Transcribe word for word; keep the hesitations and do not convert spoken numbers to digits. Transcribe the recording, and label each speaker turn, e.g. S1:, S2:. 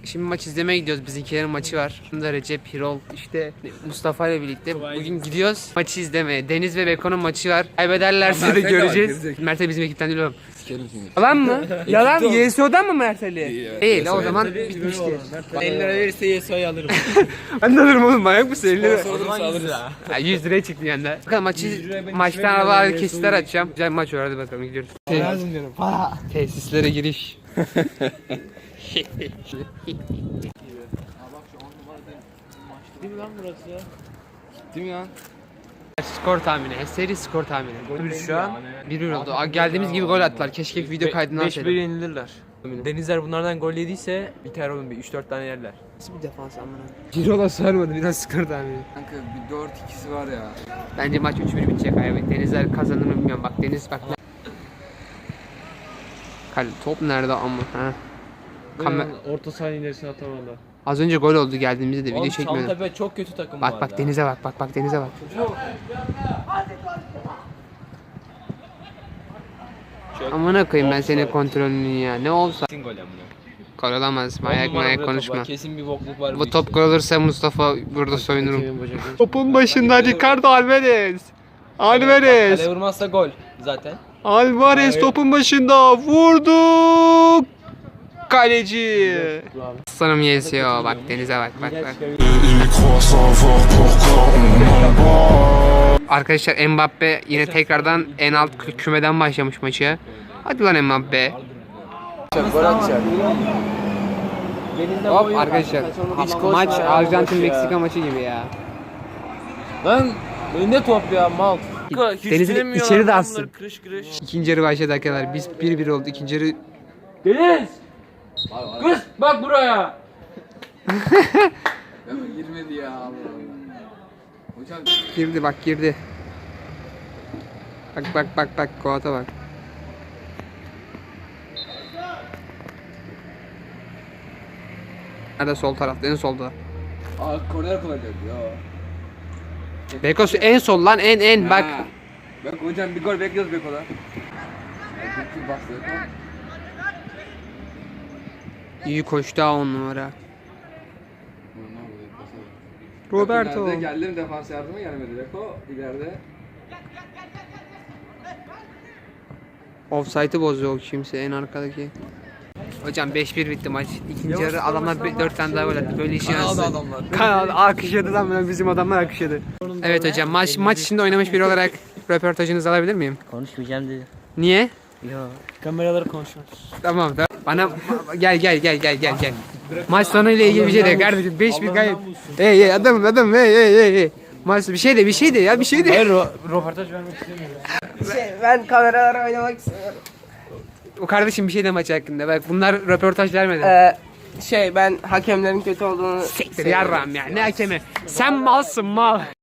S1: Şimdi maç izlemeye gidiyoruz. Bizimkilerin maçı var. Bunda Recep, Hirol, işte Mustafa ile birlikte bugün gidiyoruz maçı izlemeye. Deniz ve Beko'nun maçı var. Kaybederlerse de göreceğiz. Mert Ali bizim ekipten değil oğlum. Yalan mı? Yalan mı? Y S O'dan mı Mert Ali? Değil o zaman bitmişti.
S2: elli lira verirse Y S O'yu alırım.
S1: Ben de alırım oğlum, manyak mısın? elli lira.
S2: yüz lira.
S1: Ya yüz liraya çıktı yanda. Bakalım maçı, maçtan arabaları kesitler açacağım. Güzel bir maç var, hadi bakalım gidiyoruz.
S2: Lazım diyorum. Para.
S1: Tesislere giriş.
S2: Değil mi lan burası ya?
S1: Değil mi lan? Skor tahmini, seri skor tahmini. Gol şu an bir bir oldu. Aa, geldiğimiz gibi gol attılar. Keşke video kaydını
S3: beş bir
S1: alsaydım.
S3: yenilirler. Denizler bunlardan gol yediyse biter oğlum, bir üç dört tane yerler.
S1: Nasıl bir defans amına? Cirola sarmadı, biraz skor tahmini.
S4: Kanka bir dört ikisi var ya.
S1: Bence maç üç bir bitecek abi. Denizler kazanır mı bilmiyorum. Bak Deniz bak. Kale top nerede ama ha? Kamer
S3: Orta sahanın ilerisine atamadılar.
S1: Az önce gol oldu geldiğimizde de video
S3: Oğlum
S1: çekmiyordum.
S3: Çamtepe çok kötü takım
S1: Bak
S3: bu
S1: bak
S3: arada.
S1: Deniz'e bak bak bak Deniz'e bak. Amına koyayım ben senin kontrolünü ya. Ne olsa
S3: Kesin gol amına.
S1: gol olamaz. Manyak manyak konuşma.
S3: Kesin bir bokluk var.
S1: Bu top gol olursa Mustafa burada soyunurum. Topun başında Ricardo Alvarez. Alvarez.
S3: Kale vurmazsa gol zaten.
S1: Alvarez topun başında vurdu. Kaleci. Aslanım yesiyor. Bak Deniz'e bak bak bak. Arkadaşlar Mbappe yine tekrardan en alt kü- kümeden başlamış maçı. Hadi lan Mbappe.
S4: Gol atacak.
S1: Hop arkadaşlar. Maç Arjantin Meksika maçı gibi ya.
S3: Lan ne top ya mal.
S1: Deniz'in içeri de atsın. İkinci yarı başladı arkadaşlar. Biz bir bir oldu. İkinci yarı
S3: Deniz! Kız bak buraya.
S4: Ya girmedi ya Allah Allah. Hocam
S1: girdi bak girdi. Bak bak bak bak Koat'a bak. Nerede, sol tarafta, en solda.
S4: aa korner kullanacak ya.
S1: Beko en sol lan, en en bak.
S4: Ha. Bak hocam bir gol bekliyoruz Beko'da. Bir bastı.
S1: İyi koştu ha on numara. Roberto.
S4: Nerede geldim, defans yardıma gelmedi Beko ileride.
S1: Offside'ı bozuyor kimse, en arkadaki. Hocam beş bir bitti maç. İkinci yarı adamlar dört tane daha gol attı. Böyle işi
S4: Kanalda
S1: nasıl?
S4: adamlar.
S1: Kanal alkışladı lan bunu, bizim adamlar alkışladı. Evet hocam, maç maç içinde oynamış biri olarak röportajınızı alabilir miyim?
S2: Konuşmayacağım dedi.
S1: Niye?
S2: Yo. Kameraları konuşmaz.
S1: Tamam tamam. Bana gel gel gel gel gel gel. Maç sonuyla ilgili bir şey de kardeşim, beş bir kayıp. Hey hey adamım adamım hey hey hey hey. Maç bir şey de bir şey de ya bir şey de.
S3: Hayır ro röportaj vermek istemiyorum.
S2: Şey, ben kameralara oynamak istiyorum.
S1: O kardeşim bir şey de maç hakkında. Bak bunlar röportaj vermedi.
S2: Ee, şey ben hakemlerin kötü olduğunu
S1: Siktir yarram ya, ne hakemi. Sen malsın mal.